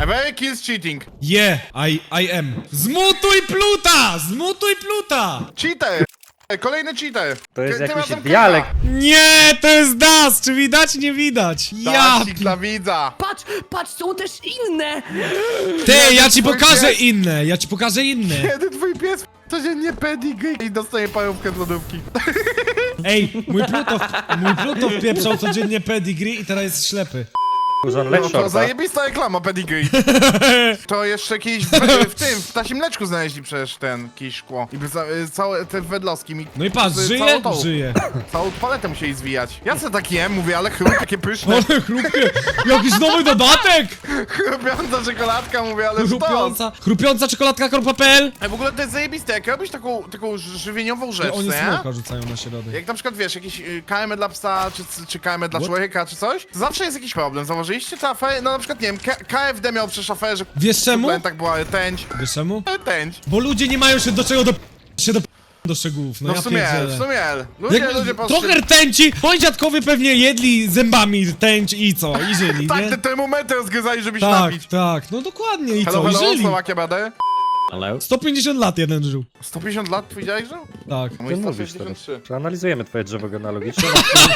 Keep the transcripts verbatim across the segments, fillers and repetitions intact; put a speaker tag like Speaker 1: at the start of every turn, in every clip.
Speaker 1: Every kills cheating.
Speaker 2: Yeah, I, I am. Zmutuj pluta! Zmutuj pluta!
Speaker 1: Cheater! Kolejny cheater!
Speaker 3: To jest
Speaker 1: Ty- ty
Speaker 3: jakiś
Speaker 1: masz tam
Speaker 3: dialekt.
Speaker 2: Nie, to jest das! Czy widać? Nie widać. Ja...
Speaker 1: Dasik dla widza!
Speaker 4: Patrz, patrz, są też inne!
Speaker 2: Ty, ja ci
Speaker 1: twój
Speaker 2: pokażę
Speaker 1: pies.
Speaker 2: inne, ja ci pokażę inne.
Speaker 1: Kiedy twój pies codziennie pedigree i dostaje parówkę z lodówki.
Speaker 2: Ej, mój pluto, mój pluto wpieprzał codziennie pedigree i teraz jest ślepy.
Speaker 3: Uzon
Speaker 1: No
Speaker 3: leć
Speaker 1: to
Speaker 3: shorta.
Speaker 1: zajebista reklama pedigree. To jeszcze kiedyś w, w tym, w ptasim mleczku znaleźli przecież ten kiedyś szkło. I za, y, całe te wedlowski mi...
Speaker 2: No i patrz,
Speaker 1: z-
Speaker 2: żyje?
Speaker 1: całą tą-
Speaker 2: Żyje.
Speaker 1: Całą paletę musieli zwijać. Ja se tak jem, mówię, ale chrup, takie pyszne.
Speaker 2: Ale chrupie, jakiś nowy dodatek!
Speaker 1: Chrupiąca czekoladka, mówię, ale sztos.
Speaker 2: Chrupiąca, chrupiąca czekoladka kropka p l.
Speaker 1: Ej, w ogóle to jest zajebiste, jak robisz taką, taką ży- żywieniową rzecz,
Speaker 2: Oni
Speaker 1: nie?
Speaker 2: smoka rzucają na środek.
Speaker 1: Jak na przykład, wiesz, jakiś y, K M dla psa, czy, czy K M dla
Speaker 2: What?
Speaker 1: człowieka, czy coś, to zawsze jest jakiś problem. Zauważyliście tę aferę? No na przykład, nie wiem, K K F D miał przecież aferę, że
Speaker 2: Wiesz czemu?
Speaker 1: tak była rtęć.
Speaker 2: Wiesz czemu?
Speaker 1: Rtęć.
Speaker 2: Bo ludzie nie mają się do czego do... się do... do szczegółów, no,
Speaker 1: No
Speaker 2: ja
Speaker 1: w sumie,
Speaker 2: pierdzielę.
Speaker 1: w sumie. Ludzie,
Speaker 2: Jak,
Speaker 1: ludzie patrzą...
Speaker 2: trochę rtęci, moi dziadkowie pewnie jedli zębami rtęć i co, i żyli,
Speaker 1: Tak,
Speaker 2: nie?
Speaker 1: te termometry rozgryzali, żeby się
Speaker 2: Tak,
Speaker 1: napić.
Speaker 2: tak, no dokładnie, i
Speaker 1: Hello,
Speaker 2: co, i
Speaker 1: hello,
Speaker 2: żyli.
Speaker 1: Słowakia badę.
Speaker 4: Ale...
Speaker 2: sto pięćdziesiąt lat jeden żył.
Speaker 1: sto pięćdziesiąt lat twój dziadek żył?
Speaker 2: Tak.
Speaker 1: Mój
Speaker 3: Ty
Speaker 1: sto
Speaker 3: mówisz
Speaker 1: sześćdziesiąt trzy.
Speaker 3: Przeanalizujemy twoje drzewo genealogiczne.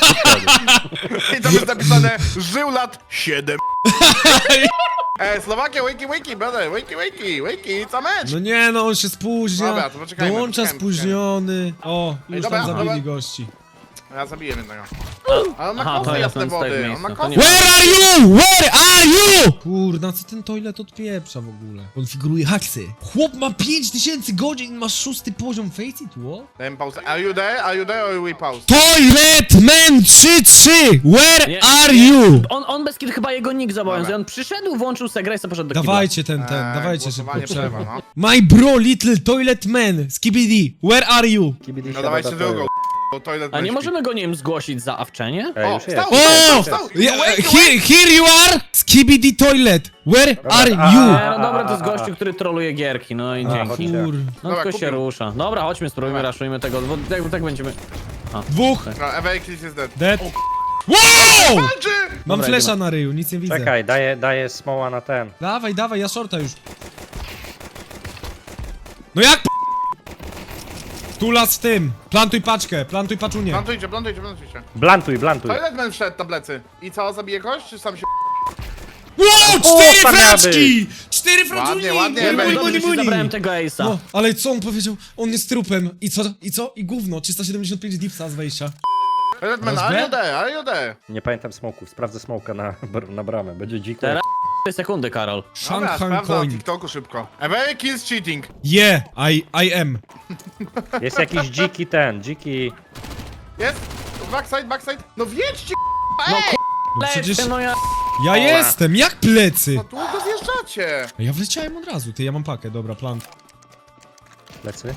Speaker 1: I tam jest napisane, żył lat siedem. Ej, Słowakia, wakey, wakey, brother, wakey, wakey, wakey, it's a match.
Speaker 2: No nie no, on się spóźnia.
Speaker 1: Dobra, to poczekajmy,
Speaker 2: Dołącza
Speaker 1: poczekajmy,
Speaker 2: spóźniony. O, już
Speaker 1: dobra,
Speaker 2: tam zabili
Speaker 1: dobra.
Speaker 2: gości.
Speaker 1: Ja zabiję jednego. Ale on ma
Speaker 4: Aha, to
Speaker 1: kosy
Speaker 4: ja
Speaker 1: jasne
Speaker 4: ten z tego
Speaker 1: wody, on
Speaker 4: miejsca,
Speaker 1: ma
Speaker 4: to
Speaker 1: kosy.
Speaker 4: nie-
Speaker 2: Where are you? Where are you? Kurna, co ten toilet odpieprza w ogóle? Konfiguruje haksy. Chłop ma pięć tysięcy godzin, ma szósty poziom Face It Wall?
Speaker 1: Dajmy pauzę. Are you there? Are you there or we pause?
Speaker 2: Toilet Man trzy trzy! Where
Speaker 4: Nie,
Speaker 2: are
Speaker 4: nie.
Speaker 2: you?
Speaker 4: On, on bez kiedy chyba jego nick zobowiązuje. On przyszedł, włączył se grę i sobie poszedł do kibla.
Speaker 2: Dawajcie ten, ten,
Speaker 1: Eee,
Speaker 2: dawajcie szybko
Speaker 1: głosowanie
Speaker 2: przerwę.
Speaker 1: przerwa,
Speaker 2: My bro, little toilet man, skibidi, where are you?
Speaker 3: Kibidi
Speaker 1: No
Speaker 3: siada
Speaker 1: dawajcie
Speaker 3: do
Speaker 1: drugą.
Speaker 3: tyłu.
Speaker 1: Bo toilet
Speaker 4: A nie
Speaker 1: będzie
Speaker 4: możemy go, nie wiem, zgłosić za awczenie?
Speaker 3: Ej,
Speaker 1: O,
Speaker 3: już
Speaker 1: wstał,
Speaker 3: jest.
Speaker 1: wstał,
Speaker 2: O!
Speaker 1: wstał!
Speaker 2: Yeah,
Speaker 1: No wait,
Speaker 2: here, here you are! Skibidi toilet, where are
Speaker 3: a-
Speaker 2: you?
Speaker 4: Nie, no dobra, to jest
Speaker 3: a, a,
Speaker 4: gościu, który troluje gierki, no i
Speaker 3: A,
Speaker 4: dzięki.
Speaker 3: chodźcie.
Speaker 2: Kur...
Speaker 4: No
Speaker 1: Dobra,
Speaker 4: tylko się
Speaker 1: kupił.
Speaker 4: rusza. Dobra, chodźmy, spróbujmy,
Speaker 1: Dobra.
Speaker 4: raszujmy tego, bo tak, tak będziemy...
Speaker 2: Dwóch,
Speaker 1: No, Every Kill is dead.
Speaker 2: dead. Wow!
Speaker 1: Walczy!
Speaker 2: Mam
Speaker 4: Dobra,
Speaker 2: flesza
Speaker 4: idziemy.
Speaker 2: na ryju, nic nie widzę.
Speaker 3: Czekaj, daję, daję smoła na ten.
Speaker 2: Dawaj, dawaj, ja shorta już. No jak p... Tulas w tym. Plantuj paczkę, plantuj paczunię.
Speaker 1: Plantujcie, plantujcie, plantujcie.
Speaker 3: Blantuj, blantuj.
Speaker 1: Toilet man wszedł na plecy. I co, zabije kogoś, czy sam się...
Speaker 2: Wow, cztery
Speaker 3: tam miała
Speaker 2: fraczki! Cztery fraczki!
Speaker 1: Ładnie, ładnie,
Speaker 2: Muni,
Speaker 1: Ej,
Speaker 2: muni,
Speaker 4: Dobrze,
Speaker 2: muni,
Speaker 4: że ci
Speaker 2: muni.
Speaker 4: zabrałem tego ace'a.
Speaker 2: No, ale co on powiedział? On jest trupem. I co? I co? I gówno. trzysta siedemdziesiąt pięć dipsa z wejścia.
Speaker 1: Toilet man,
Speaker 2: Masz
Speaker 1: are
Speaker 2: B?
Speaker 1: you there, are you there?
Speaker 3: Nie pamiętam smoków, sprawdzę smoka na, br- na bramę. Będzie dziko.
Speaker 4: Teraz cztery sekundy, Karol.
Speaker 1: Dobra,
Speaker 2: Shanghai
Speaker 1: sprawdzam na
Speaker 2: coin.
Speaker 1: TikToku szybko. Every kills cheating.
Speaker 2: Yeah, I, I am.
Speaker 3: Jest jakiś dziki ten, dziki...
Speaker 1: Jest? Backside, backside. No wiedźcie,
Speaker 4: No
Speaker 1: ej!
Speaker 2: No przecież
Speaker 4: Lecę, no ja...
Speaker 2: ja jestem, jak plecy?
Speaker 1: No tu go zjeżdżacie.
Speaker 2: Ja wleciałem od razu, ty, ja mam pakę, dobra, plan.
Speaker 3: Plecy.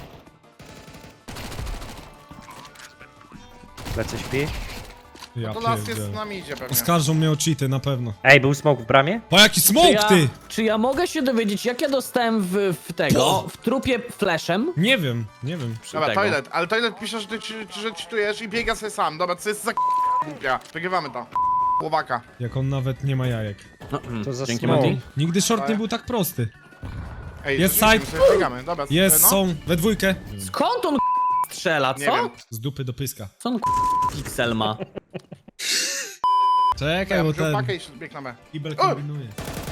Speaker 3: Plecy śpi.
Speaker 2: Ja
Speaker 1: To las jest z
Speaker 2: pierdzielę.
Speaker 1: nami idzie pewnie.
Speaker 2: Oskarżą mnie o cheaty, na pewno.
Speaker 3: Ej, był smok w bramie?
Speaker 2: O, jaki
Speaker 4: Czy
Speaker 2: smoke,
Speaker 4: ja,
Speaker 2: ty!
Speaker 4: czy ja mogę się dowiedzieć, jak ja dostałem w, w tego, w trupie flashem?
Speaker 2: Nie wiem, nie wiem.
Speaker 4: Przy
Speaker 1: Dobra,
Speaker 4: tego.
Speaker 1: toilet, ale toilet pisze, że ty czy- że czytujesz i biega sobie sam. Dobra, co jest za głupia. Wygrywamy to. Chłopaka.
Speaker 2: Jak on nawet nie ma jajek.
Speaker 4: No, mm,
Speaker 3: To za
Speaker 4: dzięki,
Speaker 3: smoke.
Speaker 4: Mati.
Speaker 2: Nigdy short nie był tak prosty.
Speaker 1: Ej,
Speaker 2: Jest
Speaker 1: rzeczywiście,
Speaker 2: side.
Speaker 1: my sobie biegamy. Dobra,
Speaker 2: Jest,
Speaker 1: no.
Speaker 2: są, we dwójkę.
Speaker 4: Skąd on strzela,
Speaker 1: Nie
Speaker 4: co?
Speaker 1: wiem.
Speaker 2: Z dupy do pyska.
Speaker 4: Co on piksel ma?
Speaker 2: Czekaj,
Speaker 1: Ja
Speaker 2: bo
Speaker 1: wziął
Speaker 2: ten
Speaker 1: pakę i bieg na B.
Speaker 2: kibel
Speaker 1: O!
Speaker 2: kombinuje.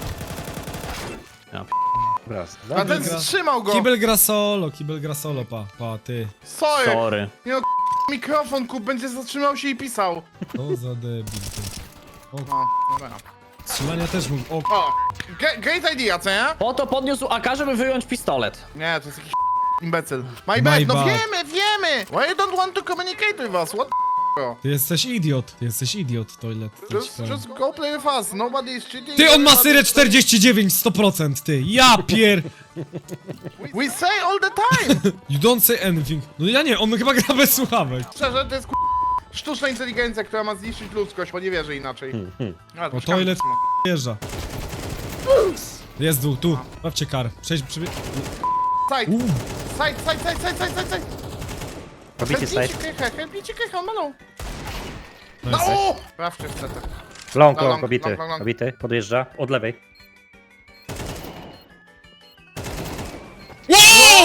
Speaker 3: Raz,
Speaker 1: A
Speaker 3: dwa.
Speaker 1: ten
Speaker 2: gra-
Speaker 1: wstrzymał go.
Speaker 2: Kibel gra solo, kibel gra solo, pa, pa, ty.
Speaker 1: Sorry.
Speaker 4: Sorry.
Speaker 1: Nie no, mikrofon kup, będzie zatrzymał się i pisał.
Speaker 2: To za debil, ty.
Speaker 1: No, dobra.
Speaker 2: Strzelania też mógł, o,
Speaker 1: O, ge- great idea, co nie?
Speaker 4: Po to podniósł A K, żeby wyjąć pistolet.
Speaker 1: Nie, to jest jakiś imbecyl. My
Speaker 2: My
Speaker 1: bad, no
Speaker 2: bad.
Speaker 1: wiemy, wiemy! Why you don't want to communicate with us? What the bro?
Speaker 2: ty jesteś idiot, ty jesteś idiot, toilet. to ci
Speaker 1: Just,
Speaker 2: powiem.
Speaker 1: just go play with us, nobody is cheating.
Speaker 2: Ty, on ma
Speaker 1: nobody
Speaker 2: syrę
Speaker 1: is-
Speaker 2: czterdzieści dziewięć, sto procent, ty. Ja pier...
Speaker 1: We say all the time!
Speaker 2: You don't say anything. No ja nie, on chyba gra bez słuchawek.
Speaker 1: Szczerze, to jest ku... sztuczna inteligencja, która ma zniszczyć ludzkość, bo nie wierzę inaczej. A,
Speaker 2: O,
Speaker 1: poczekamy,
Speaker 2: toilet
Speaker 1: no.
Speaker 2: wjeżdża. Jest dół, tu. Bawcie kar. Przejdź, przybie...
Speaker 1: Side,
Speaker 2: Uuu.
Speaker 1: side, side, side, side, side, side!
Speaker 3: Pobity
Speaker 1: Helpnijcie
Speaker 3: side.
Speaker 1: krychę, helpnijcie krychę, on ma low. No!
Speaker 2: Nice.
Speaker 1: o! Sprawdźcie w setę.
Speaker 3: Long,
Speaker 1: Long,
Speaker 3: long, pobity.
Speaker 1: long, long, long.
Speaker 3: Pobity, podjeżdża. Od lewej.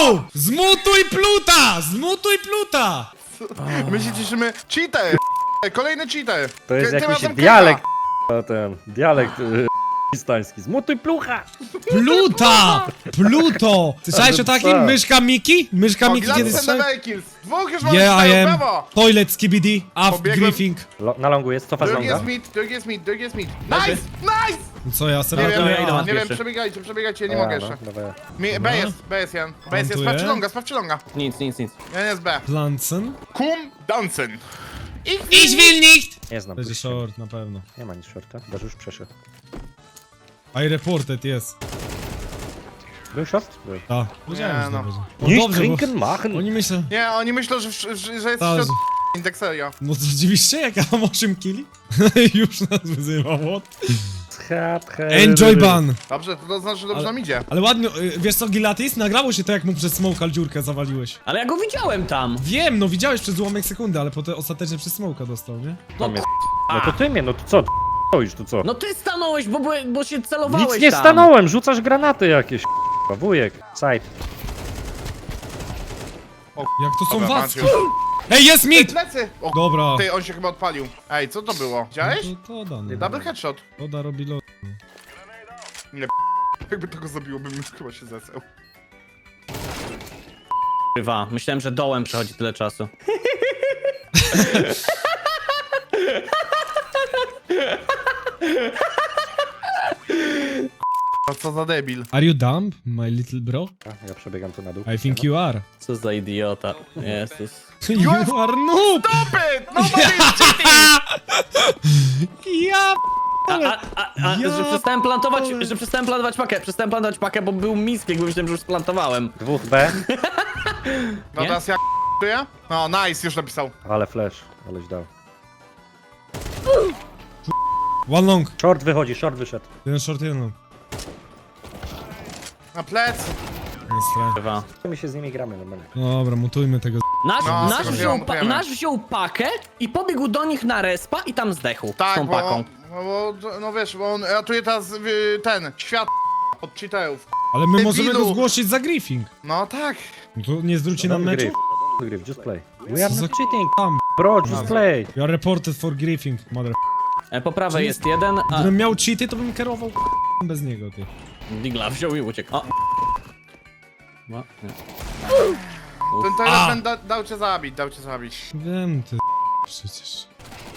Speaker 2: Zmutuj pluta! Zmutuj pluta!
Speaker 1: My się cieszymy. Cheater! Kolejny cheater!
Speaker 3: To jest
Speaker 1: Ty- tym
Speaker 3: jakiś
Speaker 1: razem
Speaker 3: dialekt, k***a, ten, dialekt y, hiszpański. Zmutuj plucha!
Speaker 2: Pluta! Pluto! Słyszałeś o takim?
Speaker 3: Tak.
Speaker 2: Myszka Miki? Myszka Miki
Speaker 1: Kiedyś
Speaker 2: kiedyś
Speaker 1: ten
Speaker 2: słyszałeś?
Speaker 1: double kills. Dwóch już mamy
Speaker 2: Yeah, I
Speaker 1: cztery,
Speaker 2: am.
Speaker 1: brawo!
Speaker 2: Toilet skibidi, af
Speaker 1: Pobiegłem.
Speaker 2: griefing.
Speaker 3: Lo, na longu jest, cofa z
Speaker 1: Drugi
Speaker 3: longa.
Speaker 1: jest mid, drugi jest mid, drugi jest mid. Nice! Nice!
Speaker 2: No co ja,
Speaker 1: Nie
Speaker 2: serio?
Speaker 1: wiem,
Speaker 4: to ja idę na
Speaker 1: nie wiem,
Speaker 4: pierwszy.
Speaker 1: przebiegajcie, przebiegajcie, nie
Speaker 3: A,
Speaker 1: mogę
Speaker 3: no,
Speaker 1: jeszcze.
Speaker 3: dawaj.
Speaker 1: Mi, B jest, B jest Jan. B jest, jest,
Speaker 2: Plantuję.
Speaker 1: sprawdź longa, sprawdź longa.
Speaker 4: Nic, nic, nic.
Speaker 1: Jan jest B.
Speaker 2: Plansen?
Speaker 1: Kum Dansen. Ich
Speaker 2: Ich will nicht!
Speaker 3: Nie znam.
Speaker 2: Będzie
Speaker 3: puśćcie.
Speaker 2: short, na pewno.
Speaker 3: Nie ma nic shorta, Daż już przeszedł.
Speaker 2: I reported, jest.
Speaker 3: Był short? Był.
Speaker 2: Tak, wiedziałem,
Speaker 1: Nie,
Speaker 2: że
Speaker 1: no.
Speaker 2: to będzie.
Speaker 3: Nicht
Speaker 2: dobrze, bo
Speaker 3: trinken machen!
Speaker 2: oni myślą...
Speaker 1: Nie, oni myślą, że, że, że jest
Speaker 2: Tak,
Speaker 1: środ...
Speaker 2: że-
Speaker 1: Tak serio.
Speaker 2: No to dziwiście, jak ja mam osiem killi? Już nas wyzywa, what?
Speaker 3: Schat, he-
Speaker 2: Enjoy ban!
Speaker 1: Dobrze, to znaczy, że dobrze
Speaker 2: Ale-
Speaker 1: nam idzie.
Speaker 2: Ale ładnie, y, wiesz co, Gilatis? Nagrało się to, jak mu przez smoka dziurkę zawaliłeś.
Speaker 4: Ale ja go widziałem tam.
Speaker 2: Wiem, no widziałeś przez ułamek sekundy, ale potem ostatecznie przez smoka dostał, nie?
Speaker 3: Tam jest. No to ty mnie, no to co? Stoisz tu co?
Speaker 4: No ty stanąłeś, bo, były- bo się celowałeś
Speaker 3: Nic nie
Speaker 4: tam.
Speaker 3: stanąłem, rzucasz granaty jakieś. k***a, Wujek, side.
Speaker 2: Jak to są
Speaker 1: Dobra,
Speaker 2: wacki?
Speaker 1: Maciuś.
Speaker 2: Ej, jest
Speaker 1: Ej,
Speaker 2: mid!
Speaker 1: plecy! O,
Speaker 2: Dobra.
Speaker 1: ty, on się chyba odpalił. Ej, co to było? Widziałeś?
Speaker 2: No to, to da, no.
Speaker 1: Double headshot.
Speaker 2: To da robi lot.
Speaker 1: Jakby tego zabiło, bym już chyba się zesłał.
Speaker 4: Kurwa, myślałem, że dołem przechodzi tyle czasu.
Speaker 1: A co za debil.
Speaker 2: Are you dumb, my little bro?
Speaker 3: A, ja przebiegam tu na dół.
Speaker 2: I think you are.
Speaker 4: Co za idiota. Jezus.
Speaker 2: You are noob!
Speaker 1: Stop it! Nobody is cheating!
Speaker 2: Ja
Speaker 4: A, a, a, a
Speaker 2: Ja
Speaker 4: że przestałem plantować,
Speaker 2: p-
Speaker 4: że przestałem plantować pakę, przestałem plantować pakę, bo był mispiek, bo myślałem, że już splantowałem.
Speaker 3: Dwóch B,
Speaker 1: No
Speaker 4: Nie?
Speaker 1: teraz ja k***uję? No, nice, już napisał.
Speaker 3: ale flash, aleś dał.
Speaker 2: One long.
Speaker 3: Short wychodzi, short wyszedł.
Speaker 2: Jeden short, jeden long.
Speaker 1: Na plec.
Speaker 2: Jest strach.
Speaker 4: Kurwa.
Speaker 3: My się z nimi gramy normalnie.
Speaker 2: Dobra, mutujmy tego.
Speaker 4: Nasz,
Speaker 1: No,
Speaker 4: nasz,
Speaker 1: z tego
Speaker 4: wziął,
Speaker 1: się
Speaker 4: pa,
Speaker 1: mutujemy.
Speaker 4: nasz wziął pakę i pobiegł do nich na respa i tam zdechł z
Speaker 1: Tak,
Speaker 4: tą
Speaker 1: bo,
Speaker 4: paką.
Speaker 1: bo, bo, no wiesz, bo on ratuje teraz y, ten, świat od cheaterów.
Speaker 2: Ale my możemy
Speaker 1: Debilu.
Speaker 2: go zgłosić za griefing.
Speaker 1: No tak.
Speaker 2: No to nie zwróci nam meczu?
Speaker 3: Gryf, gryf, just play. We are
Speaker 2: Co za
Speaker 3: not cheating,
Speaker 2: Tam.
Speaker 3: bro, just play.
Speaker 2: You are reported for griefing, mother.
Speaker 4: E, po prawej jest jeden, a
Speaker 2: Gdybym miał cheaty, to bym kierował bez niego, ty.
Speaker 4: Digla wziął i uciekł. O. No, nie.
Speaker 1: Ten
Speaker 2: A.
Speaker 1: telefon da, dał cię zabić, dał cię zabić.
Speaker 2: Wiem, ty. Przecież.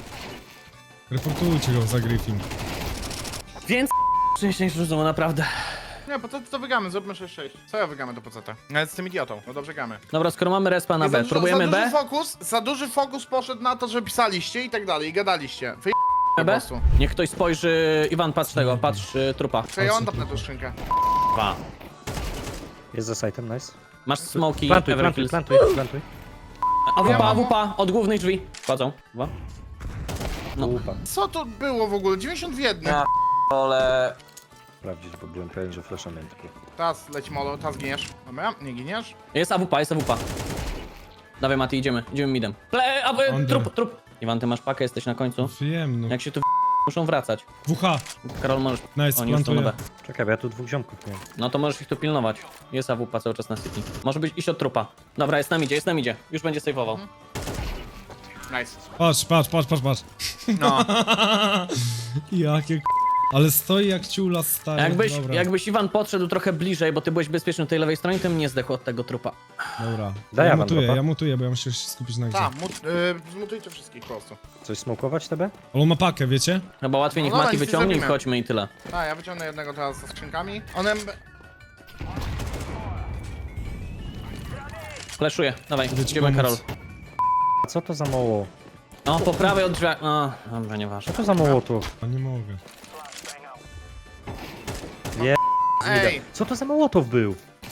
Speaker 2: Reportujcie go za griefing.
Speaker 4: Więc szczęście rzucą, naprawdę.
Speaker 1: Nie, po co to wygamy, zróbmy sześć sześć. Co ja wygamy to po co to? Nawet z tym idiotą, no dobrze gamy.
Speaker 4: Dobra, skoro mamy respa na
Speaker 1: I za
Speaker 4: B,
Speaker 1: dużo-
Speaker 4: próbujemy
Speaker 1: za
Speaker 4: B?
Speaker 1: duży fokus, za duży fokus poszedł na to, że pisaliście i tak dalej, i gadaliście. Wy po
Speaker 4: B?
Speaker 1: prostu.
Speaker 4: Niech ktoś spojrzy. Iwan, patrz tego, patrz y, trupa.
Speaker 1: Czekaj, ja on tapnę tą skrzynkę.
Speaker 4: Dwa.
Speaker 3: Jest za sitem, nice.
Speaker 4: Masz smoki,
Speaker 3: Plantuj, plantuj,
Speaker 4: Everkills.
Speaker 3: plantuj, plantuj.
Speaker 4: A
Speaker 1: Ja
Speaker 4: wupa,
Speaker 1: mam-
Speaker 4: wupa, od głównej drzwi. Wchodzą. Dwa. No.
Speaker 3: Upa.
Speaker 1: Co to było w ogóle? dziewięćdziesiąt w jednym.
Speaker 4: Ja. Ale...
Speaker 3: Sprawdzić, bo byłem pewien, że flasha miałem tylko.
Speaker 1: Teraz leci molo, teraz giniesz. Dobra, nie giniesz.
Speaker 4: Jest A W P, jest A W P. Dawaj Mati, idziemy, idziemy midem. Ple, a, e,
Speaker 2: Under.
Speaker 4: trup, trup. Iwan, ty masz pakę, jesteś na końcu.
Speaker 2: Wiem, no.
Speaker 4: Jak się tu muszą wracać.
Speaker 2: W H.
Speaker 4: Karol, możesz...
Speaker 2: Nice,
Speaker 4: Oni już są na B.
Speaker 2: plantuję.
Speaker 3: Czekaj, bo ja tu dwóch ziomków miałem.
Speaker 4: No to możesz ich tu pilnować. Jest A W P cały czas na City. Może być iść od trupa. Dobra, jest nam idzie, jest nam idzie. Już będzie saveował.
Speaker 1: Nice.
Speaker 2: Patrz, patrz, patrz, patrz, patrz.
Speaker 1: No.
Speaker 2: Jakie k... Ale stoi jak ciula stary.
Speaker 4: Jakbyś,
Speaker 2: Dobra,
Speaker 4: jakbyś Iwan podszedł trochę bliżej, bo ty byłeś bezpieczny w tej lewej stronie, to bym nie zdechł od tego trupa.
Speaker 2: dobra.
Speaker 3: Daj
Speaker 2: ja
Speaker 3: Awan
Speaker 2: mutuję,
Speaker 3: dropa.
Speaker 2: ja mutuję, bo ja muszę się skupić na grze.
Speaker 1: Tak, mut, y, zmutujcie wszystkich po prostu.
Speaker 3: Coś smokować tebe?
Speaker 2: Ale on ma pakę, wiecie?
Speaker 4: Chyba łatwiej niech
Speaker 1: No dobra,
Speaker 4: Mati
Speaker 1: nic nie
Speaker 4: wyciągnie i
Speaker 1: zrobimy.
Speaker 4: wchodźmy i tyle.
Speaker 1: Tak, ja wyciągnę jednego teraz ze skrzynkami. One...
Speaker 4: Fleszuję, dawaj,
Speaker 2: Idę ci
Speaker 4: idziemy
Speaker 2: pomóc.
Speaker 4: Karol.
Speaker 3: A co to za mało?
Speaker 4: No, po prawej od drzwi... O, dobra, nieważne.
Speaker 3: Co to za mało tu?
Speaker 2: A nie mogę.
Speaker 1: Ej!
Speaker 3: Co to za mołotow był?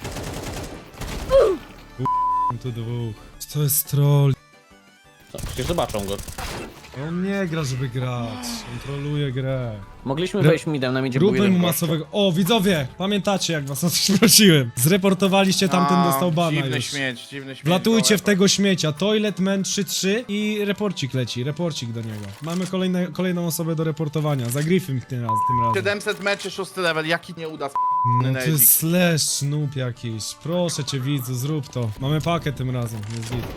Speaker 2: Mam tu dwóch. To jest troll.
Speaker 4: Co, przecież zobaczą go.
Speaker 2: On nie gra, żeby grać. On troluje grę.
Speaker 4: Mogliśmy
Speaker 2: Re-
Speaker 4: wejść midem, nam idzie był
Speaker 2: Róbmy
Speaker 4: jeden
Speaker 2: mu
Speaker 4: gość.
Speaker 2: masowego... O, widzowie! Pamiętacie, jak was o coś prosiłem. Zreportowaliście, tamten
Speaker 1: No,
Speaker 2: dostał bana
Speaker 1: dziwny
Speaker 2: już.
Speaker 1: śmieć, dziwny śmieć.
Speaker 2: Wlatujcie w
Speaker 1: gołe.
Speaker 2: tego śmiecia. Toilet Man trzy trzy i reporcik leci. Reporcik do niego. Mamy kolejne, kolejną osobę do reportowania. Za Griffin tym, raz, tym razem.
Speaker 1: siedemset meczy, szósty level, jaki nie uda.
Speaker 2: No to
Speaker 1: Nezik.
Speaker 2: jest slash noob jakiś. Proszę cię widzu, zrób to. Mamy pakę tym razem, jest git.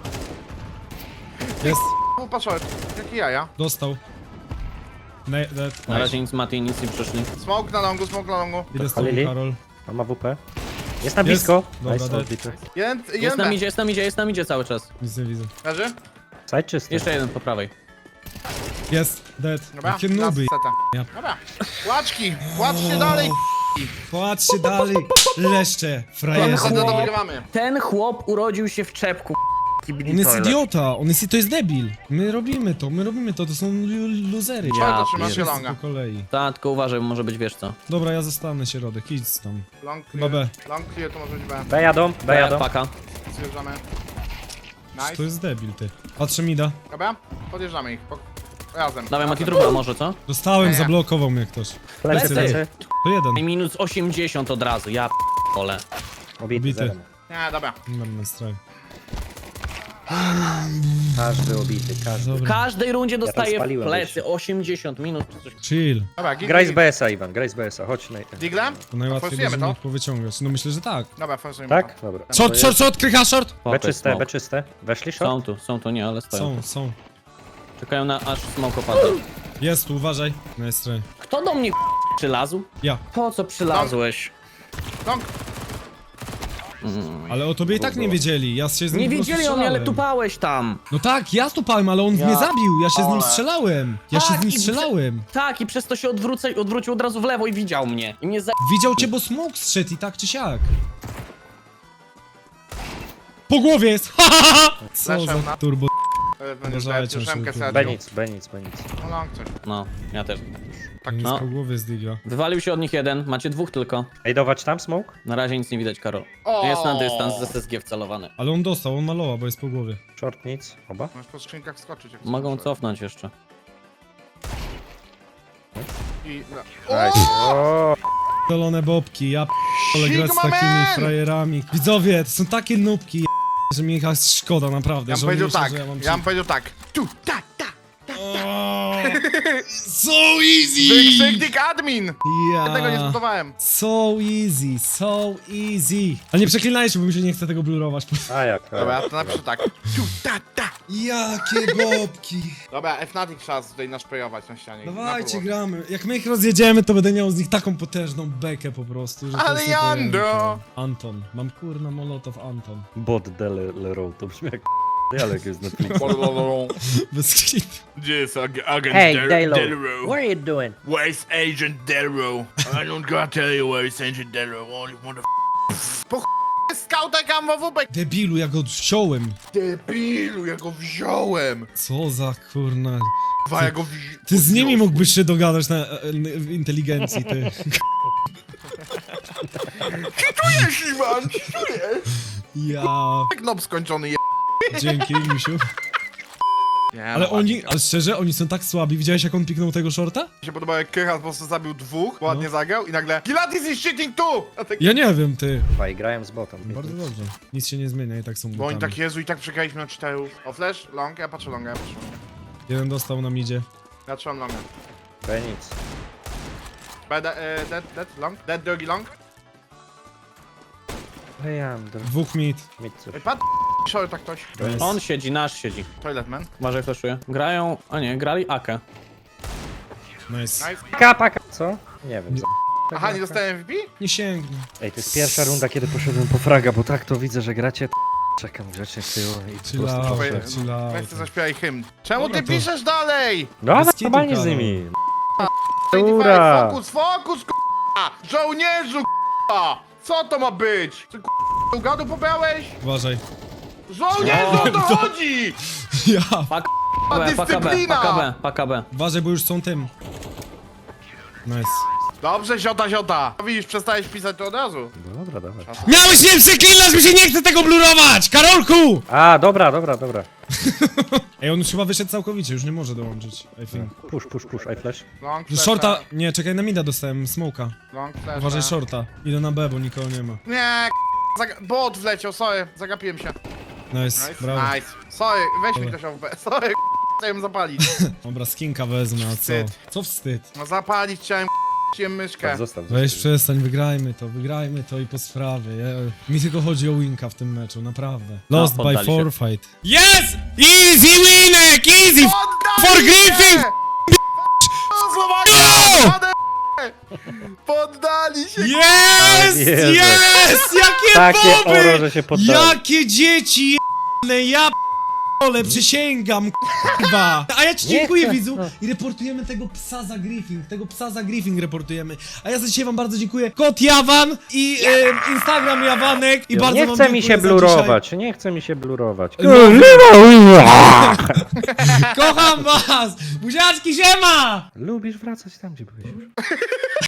Speaker 2: Jest,
Speaker 1: O, patrz, jakie jaja.
Speaker 2: dostał. Ne dead.
Speaker 4: Na razie nic Mati, nic nie przyszli.
Speaker 1: Smoke na longu, smoke na longu.
Speaker 2: Idę z tobą,
Speaker 3: Palili?
Speaker 2: Karol.
Speaker 3: On ma W P. Jest na
Speaker 2: Jest.
Speaker 3: blisko.
Speaker 2: Dobra,
Speaker 3: Nice,
Speaker 2: dead.
Speaker 3: odbity.
Speaker 1: Jeden,
Speaker 4: Jest
Speaker 1: jeden
Speaker 4: nam
Speaker 1: B.
Speaker 4: idzie, jest nam idzie, jest nam idzie cały czas.
Speaker 2: Nic nie widzę.
Speaker 1: Leży?
Speaker 3: Side czysty.
Speaker 4: Jeszcze jeden po prawej.
Speaker 2: Jest, dead.
Speaker 1: Dobra,
Speaker 2: Jakie
Speaker 1: na
Speaker 2: nuby.
Speaker 1: setę.
Speaker 2: Ja.
Speaker 1: Dobra, łaczki, płaczcie dalej.
Speaker 2: Patrzcie dalej, leszcze,
Speaker 1: Mamy
Speaker 2: frajerzy.
Speaker 1: setę, to wygrywamy.
Speaker 4: Ten chłop urodził się w czepku.
Speaker 2: On jest idiota, on jest, to jest debil. My robimy to, my robimy to, to są lu- luzery.
Speaker 1: Co to
Speaker 4: Ja
Speaker 1: trzymasz się
Speaker 2: Wszyscy
Speaker 1: longa?
Speaker 2: po kolei.
Speaker 4: Ta, tylko uważaj, bo może być wiesz co.
Speaker 2: Dobra, ja zostanę środek, idź tam.
Speaker 1: Long
Speaker 2: Chyba
Speaker 1: clear,
Speaker 2: B.
Speaker 1: long clear, to może być B.
Speaker 3: B jadą, B jadą.
Speaker 4: Paka.
Speaker 1: Zjeżdżamy.
Speaker 2: To
Speaker 1: Nice.
Speaker 2: jest debil, ty. Patrzę mida.
Speaker 1: Dobra, podjeżdżamy ich. Po... Razem.
Speaker 4: Dawaj Mati
Speaker 1: Razem.
Speaker 4: trupa może, co?
Speaker 2: Dostałem,
Speaker 1: Nie.
Speaker 2: zablokował mnie ktoś.
Speaker 3: Plecy,
Speaker 4: Plecy.
Speaker 3: plecy.
Speaker 2: To jeden.
Speaker 4: I minus osiemdziesiąt od razu, ja p***ole.
Speaker 3: Obity,
Speaker 2: Obity.
Speaker 3: zero.
Speaker 1: Nie, dobra.
Speaker 2: Mam straj.
Speaker 3: Każdy obity, każdy.
Speaker 4: W
Speaker 2: Dobra,
Speaker 4: każdej rundzie dostaje w
Speaker 3: spaliłem
Speaker 4: plecy
Speaker 3: jeszcze.
Speaker 4: osiemdziesiąt minut czy coś.
Speaker 2: chill.
Speaker 1: Dobra, gig,
Speaker 3: Graj z
Speaker 1: gig.
Speaker 3: B S-a, Iwan, graj z B S-a, chodź na...
Speaker 1: Digle?
Speaker 2: To najłatwiej
Speaker 1: forsujemy
Speaker 2: będzie
Speaker 1: to?
Speaker 2: mnie powyciągać. No myślę, że tak.
Speaker 1: Dobra, forsujemy
Speaker 3: Tak?
Speaker 1: to.
Speaker 3: Dobra.
Speaker 2: Short, short, short, krycha, short!
Speaker 3: B
Speaker 4: Spoko,
Speaker 3: czyste,
Speaker 4: smoke.
Speaker 3: B czyste. Weszli short?
Speaker 4: Są tu, są tu, nie, ale stoją.
Speaker 2: Są, są.
Speaker 4: Czekają na aż smoke opadł.
Speaker 2: Jest tu, uważaj. No jest straj.
Speaker 4: Kto do mnie przylazł?
Speaker 2: Ja.
Speaker 4: Po co przylazłeś?
Speaker 1: Long.
Speaker 2: Ale o tobie i tak nie wiedzieli, ja się z nim
Speaker 4: Nie
Speaker 2: po prostu
Speaker 4: wiedzieli o mnie, ale
Speaker 2: strzelałem.
Speaker 4: tupałeś tam.
Speaker 2: No tak, ja stupałem, ale on
Speaker 1: Ja-
Speaker 2: mnie zabił, ja się z nim
Speaker 1: Ale-
Speaker 2: strzelałem. Ja się
Speaker 4: Tak,
Speaker 2: z nim
Speaker 4: i prze-
Speaker 2: strzelałem.
Speaker 4: Tak, i przez to się odwrócę, odwrócił od razu w lewo i widział mnie. I mnie za...
Speaker 2: Widział cię, bo smoke strzedł i tak czy siak. Po głowie jest! Ha, ha, ha! Co
Speaker 1: Flashem
Speaker 2: za
Speaker 1: na-
Speaker 2: turbo...
Speaker 1: E, Będziesz
Speaker 2: Uważajcie,
Speaker 1: dać ósemkę
Speaker 2: żeby-
Speaker 3: B
Speaker 1: sadził.
Speaker 3: nic, B nic, B nic.
Speaker 1: No long coś.
Speaker 4: No, ja też.
Speaker 1: Tak,
Speaker 2: Jest
Speaker 4: no.
Speaker 2: po głowie z digla.
Speaker 4: Wywalił się od nich jeden, macie dwóch tylko.
Speaker 3: Ej, dawać tam smoke?
Speaker 4: Na razie nic nie widać, Karol.
Speaker 1: O!
Speaker 4: Jest na dystans z S S G wcelowany.
Speaker 2: Ale on dostał, on malował, bo jest po głowie.
Speaker 3: Short nic, oba.
Speaker 1: Możesz po skrzynkach skoczyć. jak
Speaker 4: Mogą
Speaker 1: chcesz.
Speaker 4: cofnąć jeszcze.
Speaker 1: I...
Speaker 3: Nice. O,
Speaker 2: Dolone bobki, ja p***ole grać z
Speaker 1: Sigma
Speaker 2: takimi
Speaker 1: man!
Speaker 2: frajerami. Widzowie, to są takie nubki, ja p***, że mi ich aż szkoda naprawdę.
Speaker 1: Ja bym
Speaker 2: że oni
Speaker 1: powiedział
Speaker 2: myślą,
Speaker 1: tak,
Speaker 2: że ja mam
Speaker 1: ja bym powiedział tak. Tu, ta, ta.
Speaker 2: O, So easy!
Speaker 1: Wykrzyknik admin! Ja tego nie
Speaker 2: Ja.
Speaker 1: zbudowałem.
Speaker 2: So easy, so easy. Ale nie przeklinajcie, bo mi się nie chce tego blurować.
Speaker 3: a jak? a
Speaker 1: Dobra,
Speaker 3: jak.
Speaker 1: to napiszę tak. Tu, ta, ta.
Speaker 2: Jakie bobki.
Speaker 1: Dobra, Fnatic trzeba tutaj naszpejować na ścianie.
Speaker 2: Dawajcie,
Speaker 1: Na
Speaker 2: gramy. Jak my ich rozjedziemy, to będę miał z nich taką potężną bekę po prostu, że to
Speaker 1: Ale
Speaker 2: jest
Speaker 1: Jando!
Speaker 2: niepojęte. Anton. Mam kurna molotow Anton.
Speaker 3: Bot Delero, to brzmi jak dialog jest na Netflixie.
Speaker 1: próbę.
Speaker 2: Bez klipu.
Speaker 1: Gdzie jest ag- agent
Speaker 3: Hey,
Speaker 1: Del-
Speaker 3: Delo,
Speaker 1: Delro?
Speaker 3: what are you doing?
Speaker 1: Where's Agent Delro? I don't gotta tell you where is Agent Delro. Only mother... Po ch... skautek amowupek!
Speaker 2: Debilu, ja go wziąłem.
Speaker 1: Debilu, ja go wziąłem!
Speaker 2: Co za kurna.
Speaker 1: Dwa, ja go wzi...
Speaker 2: Ty z nimi mógłbyś się dogadać na e, e, w inteligencji, ty.
Speaker 1: Czujesz, Iwan, czujesz?
Speaker 2: Ja.
Speaker 1: Jak nob skończony je...
Speaker 2: Dzięki, misiu.
Speaker 1: Nie,
Speaker 2: Ale
Speaker 1: no,
Speaker 2: oni,
Speaker 1: ładnie.
Speaker 2: ale szczerze, oni są tak słabi. Widziałeś, jak on piknął tego shorta?
Speaker 1: Mi się podobało, jak Krycha po prostu zabił dwóch, ładnie
Speaker 2: No.
Speaker 1: zagrał i nagle Gilatis is cheating too! A tak...
Speaker 2: Ja nie wiem, ty.
Speaker 3: Chyba i grałem z botem.
Speaker 2: Bardzo dobrze. Nic się nie zmienia i tak są
Speaker 1: Bo oni
Speaker 2: butami.
Speaker 1: tak, Jezu, i tak przegraliśmy na czterech. O, flash, long, ja patrzę longa, ja patrzę longa.
Speaker 2: Jeden dostał na midzie.
Speaker 1: Ja trzymam longa.
Speaker 3: B nic.
Speaker 1: B, de, e, dead, dead, long, dead, drugi long.
Speaker 3: Hey, I'm the
Speaker 2: Dwóch mid.
Speaker 3: mid.
Speaker 1: Ej, pat... Sorry, tak ktoś.
Speaker 2: Nice.
Speaker 4: On siedzi, nasz siedzi.
Speaker 1: Toilet man.
Speaker 4: Uważaj, flashuje. Grają, a nie, grali Akę.
Speaker 2: Nice.
Speaker 1: Nice.
Speaker 3: Paka, paka. Co? Nie wiem.
Speaker 2: Nie.
Speaker 3: za-
Speaker 1: Aha, nie dostałem M V P?
Speaker 2: Nie sięgnę.
Speaker 3: Ej, to jest pierwsza runda, kiedy poszedłem po fraga, bo tak to widzę, że gracie. Czekam grzecznie z tyłu i po
Speaker 2: Chill
Speaker 3: prostu
Speaker 2: out,
Speaker 3: proszę.
Speaker 2: chill out.
Speaker 1: Weź ty zaśpiewaj hymn. Czemu
Speaker 2: Dobra,
Speaker 1: ty
Speaker 2: to-
Speaker 1: piszesz dalej?
Speaker 3: No,
Speaker 2: Bez
Speaker 3: ale
Speaker 2: kitu,
Speaker 3: normalnie z
Speaker 2: Karol.
Speaker 3: nimi.
Speaker 1: Ura.
Speaker 3: Ura!
Speaker 1: Fokus, fokus, k***a! Żołnierzu, k***a! Co to ma być? Ty k***a, gadu pobrałeś?
Speaker 2: Uważaj.
Speaker 1: Żołnierzu, o to chodzi!
Speaker 2: Ja.
Speaker 4: Pak
Speaker 1: A
Speaker 4: B, paka B,
Speaker 1: dyscyplina!
Speaker 4: paka B, paka B.
Speaker 2: Uważaj, bo już są tym. Nice.
Speaker 1: Dobrze, ziota, ziota. Widzisz, przestałeś pisać to od razu.
Speaker 3: Dobra, dobra.
Speaker 2: Miałeś nie przeklinać, mi się nie chce tego blurować! Karolku!
Speaker 3: A, dobra, dobra, dobra.
Speaker 2: Ej, on już chyba wyszedł całkowicie, już nie może dołączyć. I think.
Speaker 3: Push, push, push, I flash.
Speaker 1: Long flasha,
Speaker 2: Shorta, nie, czekaj, na mida dostałem, smoka.
Speaker 1: Long flasha.
Speaker 2: Uważaj, shorta. Idę na B, bo nikogo nie ma.
Speaker 1: Nie, k***a, zaga- bot wleciał, sorry, zagapiłem się.
Speaker 2: Nice,
Speaker 1: Nice,
Speaker 2: brawo.
Speaker 1: nice. Sorry, weź mi
Speaker 2: Dobra.
Speaker 1: ktoś O B. Sorry, k***a, chciałem zapalić.
Speaker 2: Dobra, skinka wezmę, a co?
Speaker 1: Wstyd.
Speaker 2: Co wstyd?
Speaker 1: No zapalić chciałem, k***a, Cię myszkę.
Speaker 3: Tak, zostaw,
Speaker 2: Weź
Speaker 3: zostaw.
Speaker 2: przestań, wygrajmy to, wygrajmy to i po sprawie. Ja, mi tylko chodzi o winka w tym meczu, naprawdę. Lost by
Speaker 4: poddali się.
Speaker 2: forfeit. Yes! Easy winek! Easy!
Speaker 1: Poddali
Speaker 2: For
Speaker 1: się!
Speaker 2: Griffin!
Speaker 1: O, Słowacja!
Speaker 2: No!
Speaker 1: Poddali- Poddali się!
Speaker 2: Yes!
Speaker 3: Jezu.
Speaker 2: Yes! Jakie
Speaker 3: Takie
Speaker 2: boby!
Speaker 3: oro, że się poddali.
Speaker 2: Jakie dzieci jebane, ja p***ole, przysięgam, k***wa. A ja ci
Speaker 3: Nie
Speaker 2: dziękuję,
Speaker 3: chcę.
Speaker 2: widzu.
Speaker 3: No.
Speaker 2: I reportujemy tego psa za griffing, tego psa za griffing reportujemy. A ja za dzisiaj wam bardzo dziękuję. Kod Jawan i e, Instagram Jawanek. I bardzo
Speaker 3: Nie
Speaker 2: wam
Speaker 3: chce mi się
Speaker 2: dziękuję za
Speaker 3: blurować, nie chce mi się blurować.
Speaker 2: Kocham was! Buziaczki, siema!
Speaker 3: Lubisz wracać tam, gdzie byłeś już.